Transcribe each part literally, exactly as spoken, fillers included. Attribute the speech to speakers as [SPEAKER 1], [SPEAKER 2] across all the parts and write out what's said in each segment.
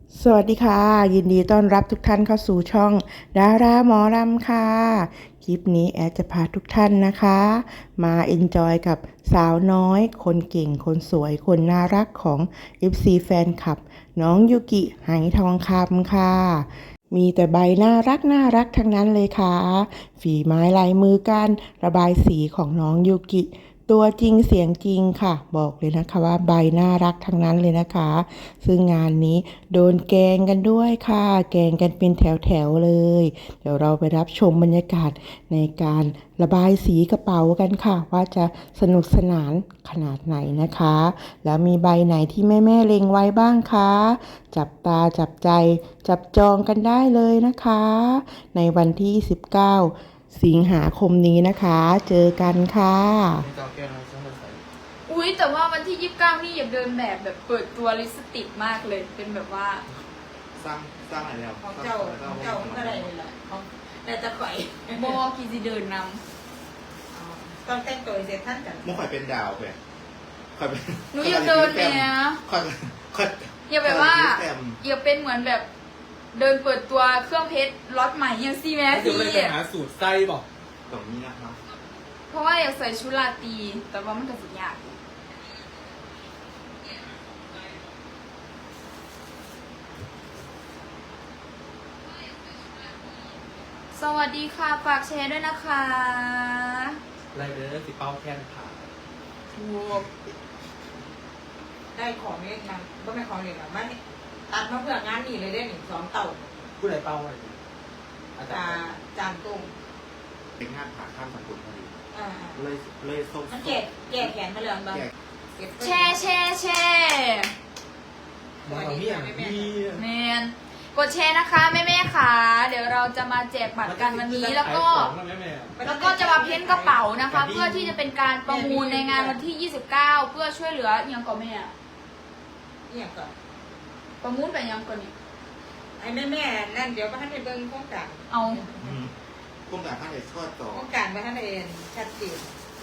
[SPEAKER 1] สวัสดีค่ะยินดีต้อนรับทุกท่านเข้าสู่ช่องดาราหมอลำค่ะคลิปนี้แอดจะพาทุกท่านนะคะมาเอนจอยกับสาวน้อยคนเก่งคนสวยคนน่ารักของ เอฟ ซี แฟนคลับน้องยูกิไหทองคำค่ะมีแต่ใบน่ารักน่ารักทั้งนั้นเลยค่ะฝีไม้ลายมือการระบายสีของน้องยูกิตัวจริงเสียงจริงค่ะบอกเลยนะคะว่าใบน่ารักทั้งนั้นเลยนะคะซึ่งงานนี้โดนแกงกันด้วยค่ะแกงกันเป็นแถวๆเลยเดี๋ยวเราไปรับชมบรรยากาศในการระบายสีกระเป๋ากันค่ะว่าจะสนุกสนานขนาดไหนนะคะแล้วมีใบไหนที่แม่ๆเล็งไว้บ้างคะจับตาจับใจจับจองกันได้เลยนะคะในวันที่สิบเก้าสิงหาคมนี้นะคะเจอกันค่ะ
[SPEAKER 2] ไม่จองแก้วนะฉันจะใส่
[SPEAKER 3] อุ๊ยแต่ว่าวันที่ยี่สิบเก้านี่อย่าเดินแบบแบบเปิดตัวลิปสติกมากเลยเป็นแบบว่า
[SPEAKER 2] สร้างสร้างอะไรแล้ว
[SPEAKER 4] ของเจ้าของเจ้ามันก็ได้เลยแหละของแต่จะข่อย
[SPEAKER 3] โบกีจีเดินน
[SPEAKER 4] ตอนแต่งตัวเสร็จท่านกัน
[SPEAKER 2] มุกข่อยเป็นดาวไปข่อยเป็น
[SPEAKER 3] ำหนูอย่าเดินเนี่ย
[SPEAKER 2] ข่อยข่อย
[SPEAKER 3] อย่าแบบว่า
[SPEAKER 2] แต้ม
[SPEAKER 3] อย่าเป็นเหมือนแบบเดินเปิดตัวเครื่องเพชรล็อตใหม่ยังซีแมส
[SPEAKER 5] เดี๋ยว
[SPEAKER 3] ซี
[SPEAKER 5] เลยไปหาสูตรไส้บอก
[SPEAKER 2] ตรงนี้นะครับ
[SPEAKER 3] เพราะว่าอยากใส่ชุดราตรีแต่ว่ามันก็สุดยากสวัสดีค่ะฝากแชร์ด้วยนะคะ
[SPEAKER 5] ไรเดอร์สิเป้าแค่นผ่า
[SPEAKER 3] ถูก
[SPEAKER 4] ได้ของเล็กมันก็ไม่ของเล็กหรอกมันตัดมาเพื่องานนี่เลยได้หนึ่งสองเต่า
[SPEAKER 5] ผู้ใดเป้าอะไรอาจา
[SPEAKER 4] จาร
[SPEAKER 5] ย์
[SPEAKER 4] จานตุ้ง
[SPEAKER 2] เป็นงานผ่าข้ามสังคมพอดี
[SPEAKER 4] อ่า
[SPEAKER 2] เลยเลยส่ง
[SPEAKER 4] มันแจกแจกแขนมาเลยบ้าง
[SPEAKER 3] แชร์แชร์แชร์
[SPEAKER 5] มันเอาเมี่ยงพี่
[SPEAKER 3] แมนกดแชร์นะคะแม่แม่ๆค่ะเดี๋ยวเราจะมาแจกบัตรกันวันนี้แล้วก็
[SPEAKER 5] แม่แม่
[SPEAKER 3] แล้วก็จะมาเพ้นกระเป๋านะคะ เพื่อที่จะเป็นการประมูลในงานวันที่ยี่สิบเก้าเพื่อช่วยเหลือยังก่อนแม่
[SPEAKER 4] เนี่ยก่อน
[SPEAKER 3] ประมูลไปยังก่อนนี่
[SPEAKER 4] ไอ้แม่แม่นั่นเดี๋ยวก็ท่านไปเบิ้งโครงการ
[SPEAKER 3] เอา
[SPEAKER 2] โครงการท่านเลยทอดต่อ
[SPEAKER 4] โครงการว่าท่านเองชัดเจน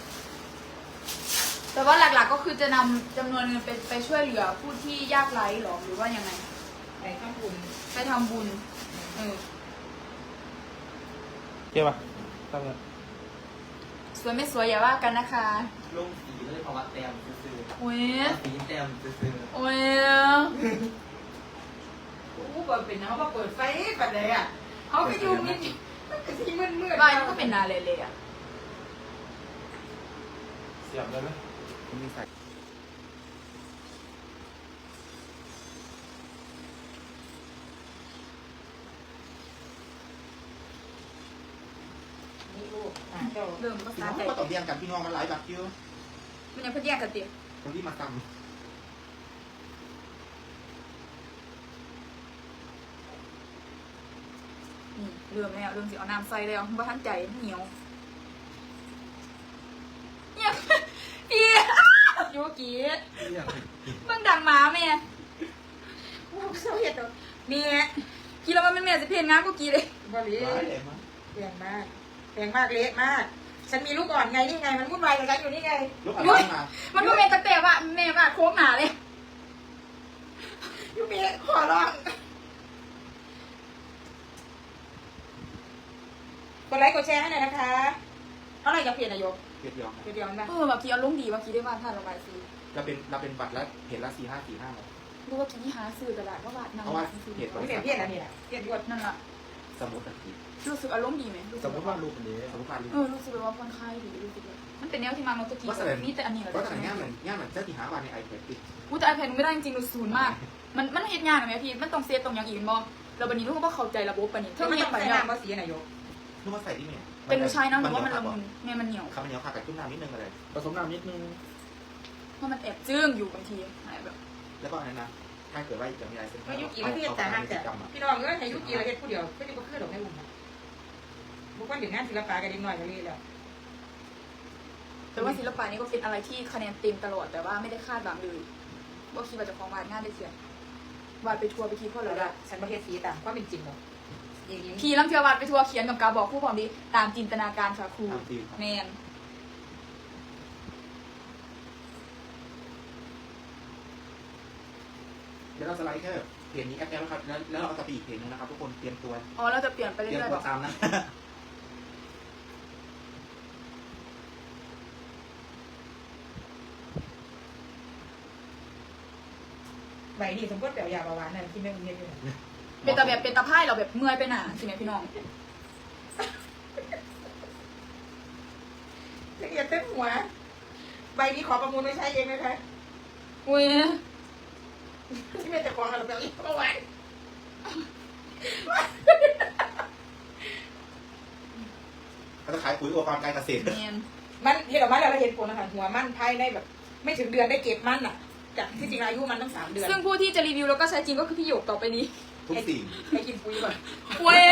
[SPEAKER 3] แต่ว่าหลักๆก็คือจะนำจำนวนเงินไปไปช่วยเหลือผู้ที่ยากไร้หรอหรือว่ายังไง
[SPEAKER 4] ไปข้างบุญ
[SPEAKER 3] ไปทำบุญเออ
[SPEAKER 5] เกี่ยวป่ะตั้งแต่
[SPEAKER 3] สวยไม่สวยอย่าว่ากันนะคะ
[SPEAKER 5] ลงสีเลยภาวะแต้มซื้อ
[SPEAKER 3] โอ้ย
[SPEAKER 5] สีแต้มซื้อ
[SPEAKER 3] โอ้ย
[SPEAKER 4] อู้บ่เป็นนะเขามาเปิดไฟปัดเลยอ่ะเขาก็ยุ่งนิดมันก็ที่มืดมืด
[SPEAKER 3] บ้านมันก็เป็นนาเลยเลยอ่ะ
[SPEAKER 5] เสียบเลยไหม
[SPEAKER 2] คุณมีใส่
[SPEAKER 4] นี่ลูกอ่าเจ้า
[SPEAKER 3] เริ่มภา
[SPEAKER 2] พี่
[SPEAKER 3] ษา
[SPEAKER 2] น้อง
[SPEAKER 3] ใจ
[SPEAKER 2] ก็ต้องเรียนกันพี่น้องมันหลายแบบคิว
[SPEAKER 3] มันยังเพิ่งแยกกันเตีย
[SPEAKER 2] คนที่มาท
[SPEAKER 3] นี่เริ่มแล้วเริ่มสิเอาน้ำใส่แล้วเพราะท่านใจเหนียวเนี่ยพี่ยูกิ
[SPEAKER 5] เมี่ยง
[SPEAKER 3] มึงดังหมาแม่
[SPEAKER 4] โอ้เศร้าเห็ดตัวเมีย
[SPEAKER 3] กินแล้วมันแม่จะเพี้ยนงามกูกี่เลย
[SPEAKER 4] บริ
[SPEAKER 2] ำหลายเลยมั้ง
[SPEAKER 4] เปลี่ยนมากเปลี่ยนมากเละมาก ฉันมีลูกอ่อนไงนี่ไง มันวุ่นวายกับฉันอยู่นี่ไง
[SPEAKER 2] ลูกอะไรมา
[SPEAKER 3] มันก็แม่ตั้งแต่ว่าแม่ว่าโค้งหนาเลย
[SPEAKER 4] ยูเมียขอร้องกดไลค์กดแชร์ให้หน่อยนะคะเท่าไหร่จะเปลี่ยนนายก
[SPEAKER 2] เกียรติยอง
[SPEAKER 4] เดี๋ยวเดียวนะ
[SPEAKER 3] เออบางทีอารมณ์ดีบางทีได้ว่าท่านระบายซี
[SPEAKER 2] เราเป็นเราเป็นบัตรแล้วเห็นละสี่ห้าสี่ห้าเลย
[SPEAKER 3] รู้ว่ากี้หาซื้อกระดาษว่าบาทนำ
[SPEAKER 2] เพราะว่า
[SPEAKER 3] ซื้อ
[SPEAKER 2] เหตุผล
[SPEAKER 4] ไม่เปลี่ยนเพี้ยนอะไรนี่แหละเปลี่ยนยศ
[SPEAKER 3] นั่นแหละ
[SPEAKER 2] สมมติอะพี่
[SPEAKER 3] รู้สึกอารมณ์ดีไหมรู้
[SPEAKER 5] ส
[SPEAKER 3] สึ
[SPEAKER 5] ม
[SPEAKER 3] ก
[SPEAKER 5] มติว่ารูปอันนี้
[SPEAKER 2] สมมติว่า
[SPEAKER 3] เออรู้สึกว่าผ่อนคลายดีรู้สึกว่ามันเป็นแนวที่มาโนตะกี้
[SPEAKER 2] ว่าแสดง
[SPEAKER 3] นี่แต่อันนี้เหรอ
[SPEAKER 2] ว่าแต่งานเหมือนงานเหมือนเจ้าที่หาวันในไอแพดดิ
[SPEAKER 3] อู้แต่ไอแพดไม่ได้จริงๆรู้ศูนย์มาก มันมันเฮ็ดงานไหมพี่มันต้องเซฟตรงอย่างอื่นบ่เราบันนี้ลูกก็เข้าใจระบบปะนี่
[SPEAKER 4] เธอไม่
[SPEAKER 3] เฮ็
[SPEAKER 4] ต้
[SPEAKER 3] ด
[SPEAKER 4] อง
[SPEAKER 3] ไป
[SPEAKER 4] ใส่
[SPEAKER 3] เนี่ย
[SPEAKER 4] น้ำมาสีนายก
[SPEAKER 2] นึกว่าใส่ที่ไหน
[SPEAKER 3] เป็นผู้ชายนะหรือว่ามันละมุนแม่มันเหนียว
[SPEAKER 2] ครับมันเหนียวขาดกับจุ่มน้ำนิดนึงเลย
[SPEAKER 5] ผสมน้ำนิดนึง
[SPEAKER 3] เพราะมันแอบจึ้งอยู่บางทีหายแบบ
[SPEAKER 2] แล้วก็อันนั้นนะถ้าเกิดว่าจะมีอะไรเซ็น
[SPEAKER 4] ก็ยุกีมาเทียบแต่ห้ามแต่พี่น้องก็ให้ยุกีมาเทียบผู้เดียวก็จะมาขึ้นดอกให้บุญบุคคลถึงงานศิลปะกันดีหน่อยก็เลยแล้ว
[SPEAKER 3] แต่ว่าศิลปะนี่ก็เป็นอะไรที่คะแนนเต็มตลอดแต่ว่าไม่ได้คาดหวังเลยว่าคิดว่าจะของวาดงานได้เสียวาดไปทัวร์ไปทีพ่อ
[SPEAKER 4] แล้
[SPEAKER 3] เล
[SPEAKER 4] วย ฉันมาเทียบสีตามความเป็นจริงหรอกอย่างนี้
[SPEAKER 3] ทีลังเทียววาดไปทัวร์เขียนกับกาบอกผู้พร้อมดีตามจินตนาการค่ะครู
[SPEAKER 2] ตามฟิลครับ
[SPEAKER 3] แมน
[SPEAKER 2] เดี๋ยวเราสไลด์แค่เพเพจนี้แอปแอปแล้วครับแล้วแล้วเราจะไปอีกเพจนึงนะครับทุกคนเตรียมตัว
[SPEAKER 3] อ๋อเราจะเปลี่ยนไป
[SPEAKER 2] เตรียม
[SPEAKER 3] เรื่อยๆ
[SPEAKER 2] ตั
[SPEAKER 3] บ
[SPEAKER 2] ว
[SPEAKER 3] อก
[SPEAKER 2] ตามนะ
[SPEAKER 4] ใบนี่สมมติแบบยาเบาหวานนั่นที่แม่อุ้มเรียนอยู่
[SPEAKER 3] เป็นตาแบบเป็นตาไพ่เราแบบเมื่อยไปหนาใช่ไหมพี่น้อง
[SPEAKER 4] ละเอียดเต็มหัวใบนี้ขอประมูลไม่ใช้เองนะคะ
[SPEAKER 3] อุ้ย
[SPEAKER 4] ที่เป็นแต่ของเราแบบนี้เบาหวาน
[SPEAKER 2] เขาจะขายปุ๋ยอุปกรณ์การเกษตร
[SPEAKER 3] เนียน
[SPEAKER 4] มันเห็นออกมาแล้วเราเห็นผลนะคะหัวมันภายในแบบ ไม่ถึงเดือนได้เก็บมันอ่ะจากที่จริงอายุมันตั้งสามเดือน
[SPEAKER 3] ซึ่งผู้ที่จะรีวิวแล้วก็ใช้จริงก็คือพี่หยกต่อไปนี้
[SPEAKER 2] ทุกสิ่ง
[SPEAKER 4] ให้กินปุ๋ยก่อน
[SPEAKER 3] เว้ย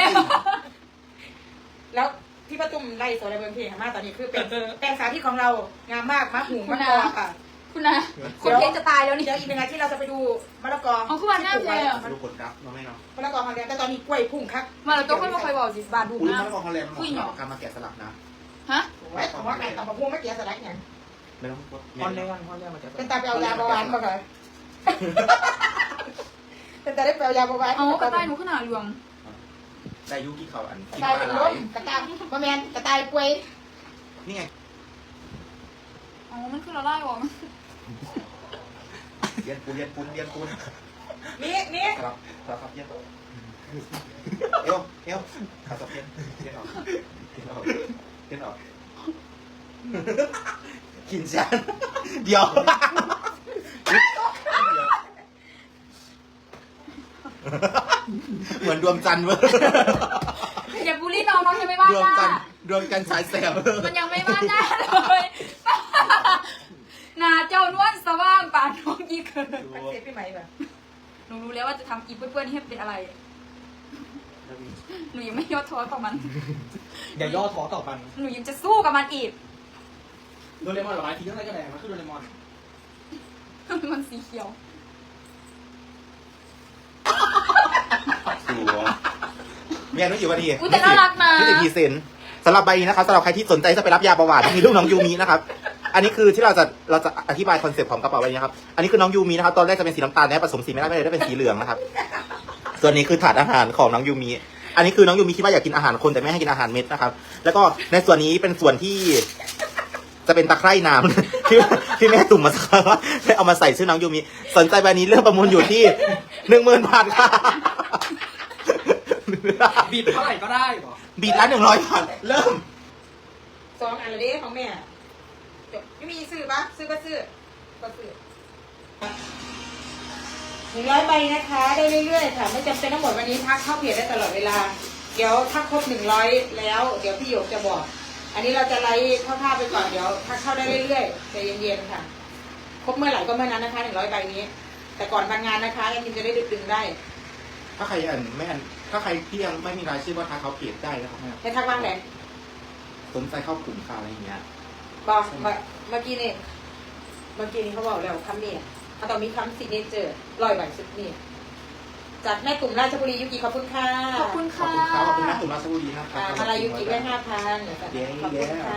[SPEAKER 4] แล้วที่ป้าตุ้มไล่โซลาร์เบิร์นเพลงมาตอนนี้คือเป็นแปลงสาธิตของเรางามมากมะหูมะกอค่ะ
[SPEAKER 3] คุณนะคนเพลงจะตายแล้วนี่
[SPEAKER 4] เดี๋ยวอีกหนึ่งอาทิตย์เราจะไปดูมะละกอ
[SPEAKER 3] เอาขึ้นมาหน้าเพลง
[SPEAKER 2] มาดูผลลัพธ์เนาะแม่เนาะ
[SPEAKER 4] มะละกอฮอลแลนด์แต่ตอนนี้กล้วยพุ่งคัก
[SPEAKER 3] มาเราต้องค่อยมาคอยบอกสิบาทดู
[SPEAKER 2] ปุ๋ย
[SPEAKER 3] นะ
[SPEAKER 2] มะละกอฮอลแลนด์มันเหมาะสำหรับการมาแกะสลักนะ
[SPEAKER 3] ฮะ
[SPEAKER 4] ไว้ของว่าไก่ต่ำกระพุ้งไม่เกี่ยวสลักอย่าง
[SPEAKER 2] ไม่ต้องพูด
[SPEAKER 5] พอนเรื่องพอนเรื่องมาจาก
[SPEAKER 4] เป็นตาไปเอายาเบาหวานมาก่อนเป็นตาได้ไปเอายาเบาหวาน
[SPEAKER 3] เอากระต่ายหนูขนาดหลวง
[SPEAKER 2] ได้ยุกี่เขาอัน
[SPEAKER 4] กระ
[SPEAKER 2] กิน
[SPEAKER 4] ต่าย
[SPEAKER 2] ป
[SPEAKER 4] เป็น
[SPEAKER 2] ลา
[SPEAKER 4] ล
[SPEAKER 2] ไหล
[SPEAKER 4] มกระต่ายบะแมนกระต่ายป่วย
[SPEAKER 2] นี่ไง
[SPEAKER 3] อ๋อมันคือเราไล่หรอ
[SPEAKER 2] เรียนปูนเรียนปูนเรียนปูน
[SPEAKER 4] นี่นี่
[SPEAKER 2] ครับครับครับเรียนเอวเอวขาสับเรียนเรียนออกเรียนออกเรียนออกกินจานเดี๋ยวเหมือนดวงจันทร์เว้ย
[SPEAKER 3] อย่าบูลลี่น้องน้องยังไม่บ้า
[SPEAKER 2] ดวง
[SPEAKER 3] ห
[SPEAKER 2] จั
[SPEAKER 3] น้าน
[SPEAKER 2] ทร์ดวงจันทร์สายแสบ
[SPEAKER 3] มันยังไม่บ้าหน้าเลยหนาเจ้านวลสว่างป่านน้องยี่เกิน
[SPEAKER 4] มันเสียพี่ไหมแบบ
[SPEAKER 3] หนูรู้แล้วว่าจะทำอีเพื่อนๆให้เป็นอะไร หนูยังไม่ย่อท้อต่อมัน
[SPEAKER 5] อย่าย่อท้อต่อมัน
[SPEAKER 3] หนูยังจะสู้กับมันอีก
[SPEAKER 5] โดเรมอนหรอไอ้ทีทั้งไรก็แดงมันคือโดเรมอน
[SPEAKER 3] มันสีเขียว
[SPEAKER 2] สัวมีอายุกี่วันที
[SPEAKER 3] อุ๊ยแต่น่ารักนะ
[SPEAKER 2] ยี่สิบพรีเซนต์สำหรับใบนี้นะครับสำหรับใครที่สนใจจะไปรับยาเบาหวานมีรูปน้องยูมินะครับ อันนี้คือที่เราจะเราจะอธิบายคอนเซปต์ของกระเป๋าใบนี้ครับ อันนี้คือน้องยูมินะครับ ตอนแรกจะเป็นสีน้ำตาลนะผสมสีไม่ได้ไม่เลยได้เป็นสีเหลืองนะครับ ส่วนนี้คือถาดอาหารของน้องยูมิ อันนี้คือน้องยูมิคิดว่าอยากกินอาหารคนแต่ไม่ให้กินอาหารเม็ดนะครับ แล้วก็ในส่วนนี้เป็นส่วนที่ จะเป็นตะไคร่น้ำ ที่ที่แม่ตุ่มมาสักว่าได้เอามาใส่ชื่อน้องยูมิ สนใจใบนี้เรื่องประมูลอยู่ที่หนึ่งหมื่นบาทค่ะ
[SPEAKER 5] บีบเท่าไหร่ก็ได้หรอ
[SPEAKER 2] บีดละหนึ่งร้อยบาทเริ่ม
[SPEAKER 4] สองอันละเด้ของแม่จบไม่มีซื้อปะซื้อก็ซื้อก็ซื้อหนึ่งร้อยใบนะคะได้เรื่อยๆค่ะไม่จำเป็นทั้งหมดวันนี้ทักเข้าเพจได้ตลอดเวลาเดี๋ยวถ้าครบหนึ่งร้อยแล้วเดี๋ยวพี่หยกจะบอก อันนี้เราจะไล่คร่าวๆไปก่อนเดี๋ยวทักเข้าได้เรื่อยๆใจเย็นๆค่ะครบเมื่อไหร่ก็เมื่อนั้นนะคะหนึ่งร้อยใบนี้ แต่ก่อนบางงานนะคะยังจะได้ดึงได้
[SPEAKER 2] ถ้าใครอันไม่อันถ้าใครที่ยังไม่มีรายชื่อว่าทักเขาเพจได้นะครับแม่
[SPEAKER 4] ให้ทักบ้างไหน
[SPEAKER 2] สนใจเข้ากลุ่มข่าวอะไรอย่างเงี้ย
[SPEAKER 4] บอกเมื่อเมื่อกี้นี่เมื่อกี้นี่เขาบอกแล้วคำนี้เขาต้องมีคำซิกเนเจอร์ลอยใบสุดนี่จากแม่กลุ่มราชบุรียุกิขอบคุณค่ะ
[SPEAKER 3] ขอบคุณ
[SPEAKER 2] ขอบ
[SPEAKER 3] ค่ะ
[SPEAKER 2] คุณครับขอบคุณนักตุลาชบุรีนะครับ
[SPEAKER 4] อ่ามาลายุกิได้ห้าพันขอบ
[SPEAKER 2] เย้
[SPEAKER 4] คุณ
[SPEAKER 2] เย้
[SPEAKER 4] ค่ะ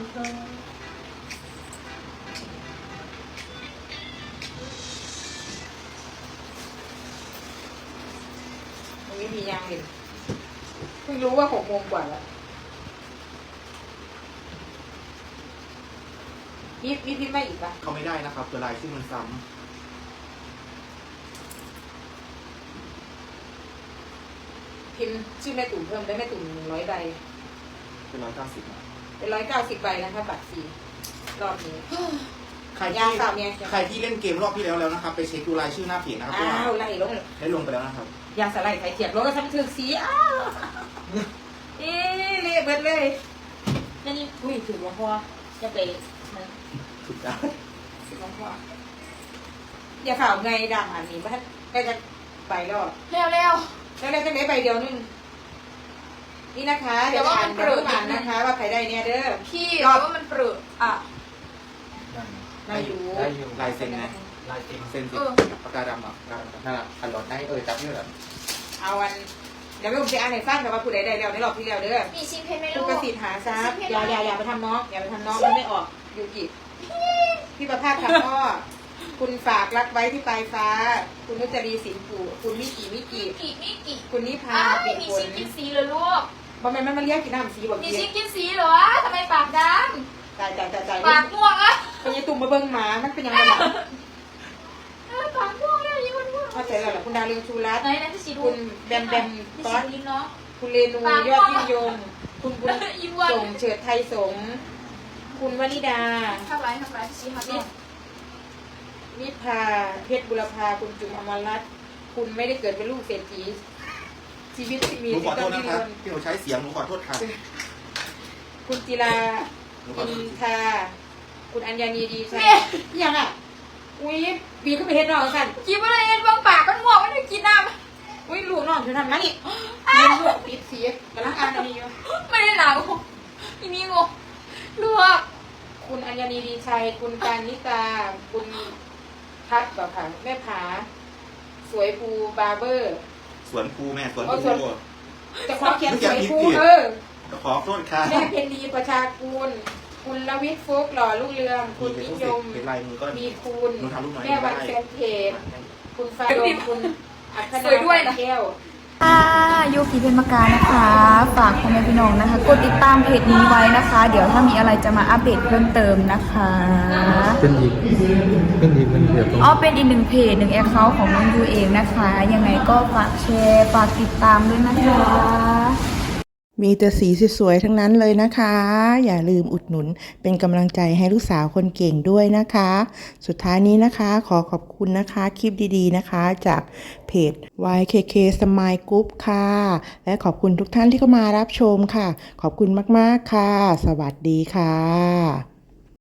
[SPEAKER 4] มันไม่มียางเลยเพิ่งรู้ว่าหกโมงกว่าแล้วมีมีพิมพ์มาอีกปะ
[SPEAKER 2] เขาไม่ได้นะครับคือรายชื่อมันซ้
[SPEAKER 4] พิมพ์ชื่อแม่ตุ่มเพิ่มได้แม่ตุ่มหนึ่งร้อยใบ
[SPEAKER 2] ำเป็นร้อยเก้าสิบ
[SPEAKER 4] เป็นร้อยเก้าสิบใบนะคะบัตรสีรอบนี้
[SPEAKER 2] ใคร
[SPEAKER 4] ยา
[SPEAKER 2] ที่
[SPEAKER 4] สามเนี่ย
[SPEAKER 2] ใครที่เล่นเกมรอบที่แล้วแล้วนะครับ ไปเช็คดูรายชื่อหน้าเพจนะครับ
[SPEAKER 4] อ้าว
[SPEAKER 2] ว่า
[SPEAKER 4] ไล่ลง
[SPEAKER 2] ได้ลงไปแล้วนะครับ
[SPEAKER 4] ยาสลายไข่เทียบรถก็ทำถึงสีอ้าวเอ๊ะเละเบิดเลยนั่นนี่อุ้ยถือหลวงพ่อจะไปมัน
[SPEAKER 2] ถูกต้อง
[SPEAKER 4] ถือหลวงพ่ออย่าข่าวไงดำอันนี้ไม่ไม่จะไปแล้ว
[SPEAKER 3] เร็วเร็ว
[SPEAKER 4] แล้วได้แค่ไหนใบเดียวนึงนี่นะคะเดี๋ยวอ่านเดี๋ยวอ่านนะคะ ว่าใครได้เนี่ยเด้อ
[SPEAKER 3] พี่เราว่ามันเปลืออ่ะ
[SPEAKER 4] ได้อยู่
[SPEAKER 5] ได้อยู่
[SPEAKER 2] ลายเซ็นนะ
[SPEAKER 5] ลายเต็ม
[SPEAKER 2] เซ็นสิ
[SPEAKER 3] เออ
[SPEAKER 2] ปากกาดำอ่ะนั่นแหละอันหลอดได้เออจับนี่แหละ
[SPEAKER 4] เอาวันเดี๋ยวไม่ผมจะอ่านให้ฟังแต่ว่าผู้ใดได้แล้วในรอบที่แล้วเด้อ
[SPEAKER 3] มีชิ้นเพชรไหม
[SPEAKER 4] ลู
[SPEAKER 3] ลู
[SPEAKER 4] ก
[SPEAKER 3] ก
[SPEAKER 4] กระสิทธิ์หาทรัพย์อย่าอย่าอย่าไปทำน้องอย่าไปทำน้องมันไม่ออกยูกิพี่ประภาสค่ะพ่อคุณฝากรักไว้ที่ปลายฟ้า คุณนุจรีสินปู่คุณมิกิมิกิ
[SPEAKER 3] กี่มิกี่
[SPEAKER 4] คุณนิพา
[SPEAKER 3] อ้าว
[SPEAKER 4] เปลี่
[SPEAKER 3] ไม่
[SPEAKER 4] ยน
[SPEAKER 3] มี
[SPEAKER 4] ผ
[SPEAKER 3] ชิ้
[SPEAKER 4] ล
[SPEAKER 3] นกินสีเลยลูก
[SPEAKER 4] บอแม่นมันมาเรียกกินน้ำสีบอก
[SPEAKER 3] มี
[SPEAKER 4] เกี
[SPEAKER 3] ชิ้
[SPEAKER 4] ย
[SPEAKER 3] นกินสีเหรอทำไมปากด
[SPEAKER 4] ตายตายตายตาย
[SPEAKER 3] ำปากม่วงอะ
[SPEAKER 4] เป็นยังตุ่มมาเบิ่งหมามันเป็นยังไงล่ะ
[SPEAKER 3] เออปากม่วงเลยยี่มันม่วง
[SPEAKER 4] เข้าใจแล้วเหรอคุณดาวเรืองชูรัตน์
[SPEAKER 3] ไหนไหนพี่สีดู
[SPEAKER 4] คุณแบมแบม
[SPEAKER 3] พี่
[SPEAKER 4] ต๊อ
[SPEAKER 3] สี
[SPEAKER 4] ด
[SPEAKER 3] ลิ้นเนาะ
[SPEAKER 4] คุณเรนูยอดยิ่งยง คุณบุญ
[SPEAKER 3] ยิ้มวัน
[SPEAKER 4] ส่งเฉิดไทยสงฆ์คุณวนิดา
[SPEAKER 3] ทำไรทำไรพี่สีครับ
[SPEAKER 4] นินิพาเพชรบุรพาคุณจุ๋มอมรรัตน์คุณไม่ได้เกิดเป็นลูกเศรษฐีชีวิตที่
[SPEAKER 2] ห
[SPEAKER 4] มี
[SPEAKER 2] นูขอโท
[SPEAKER 4] ต้
[SPEAKER 2] ษ
[SPEAKER 4] น
[SPEAKER 2] นะ
[SPEAKER 4] ที่
[SPEAKER 2] ครับ
[SPEAKER 4] รน
[SPEAKER 2] ที่หนูใช้เสียงหนูขอโทษค่ะ
[SPEAKER 4] คุณจิรา
[SPEAKER 2] หนูขอ
[SPEAKER 4] อิ
[SPEAKER 2] โท
[SPEAKER 4] น
[SPEAKER 2] ษ
[SPEAKER 4] ทาคุณอัญญานีดีชัยยังอ่ะอุ้ยบีก็ไปเฮ็ดน้องกัน
[SPEAKER 3] กินอะไรเอ็นบางปากมันม่วงมันไม่กินน้ำ
[SPEAKER 4] อุ้ยลูกน้องเธอทำนะนี่เรียนลูกปิดเสียกำลังอ่านอันนี้อยู่
[SPEAKER 3] ไม่ได้หนาวอีนี่งงลวก
[SPEAKER 4] คุณอัญญานีดีชัย คุณการนิตา คุณพัดแบบค่ะแม่ผา สวยภูบาร์เบอร์
[SPEAKER 2] สวนภูแม่สวน
[SPEAKER 4] เอา
[SPEAKER 2] ภู
[SPEAKER 4] สวน จะขอเขียนสวยภู
[SPEAKER 2] ไม่อยากผิด
[SPEAKER 4] เออ
[SPEAKER 2] ขอโทษค่ะ
[SPEAKER 4] แม่เพนดีประชากูล คุณลวิทย์ฟุกหล่อลูกเรือง คุณนิยม
[SPEAKER 2] เป็นลายมือก็
[SPEAKER 4] มีคุณ
[SPEAKER 2] หนูทำลูกน้อย
[SPEAKER 4] แม่วัน
[SPEAKER 2] ได้
[SPEAKER 4] แฟนเพจคุณฟ้าโดมคุณอัค
[SPEAKER 3] สวยด้วยนะ
[SPEAKER 4] แก้ว
[SPEAKER 6] ค่ะโยคีเพนมากานะคะ ฝากพ่อแม่พี่น้องนะคะ กดติดตามเพจนี้ไว้นะคะ เดี๋ยวถ้ามีอะไรจะมาอัปเดตเพิ่มเติมนะคะ
[SPEAKER 7] เป็นอีกเป็นอีกเป็นเดียวตรง
[SPEAKER 6] อ๋อเป็นอีกหนึ่งเพจหนึ่งแอคเคาท์ของน้องยูเองนะคะ ยังไงก็ฝากแชร์ฝากติดตามด้วยนะคะ
[SPEAKER 1] มีแต่สีสวยๆทั้งนั้นเลยนะคะ อย่าลืมอุดหนุนเป็นกำลังใจให้ลูกสาวคนเก่งด้วยนะคะ สุดท้ายนี้นะคะขอขอบคุณนะคะคลิปดีๆนะคะจากเพจ วาย เค เค Smile Group ค่ะ และขอบคุณทุกท่านที่เข้ามารับชมค่ะ ขอบคุณมากๆค่ะ สวัสดีค่ะ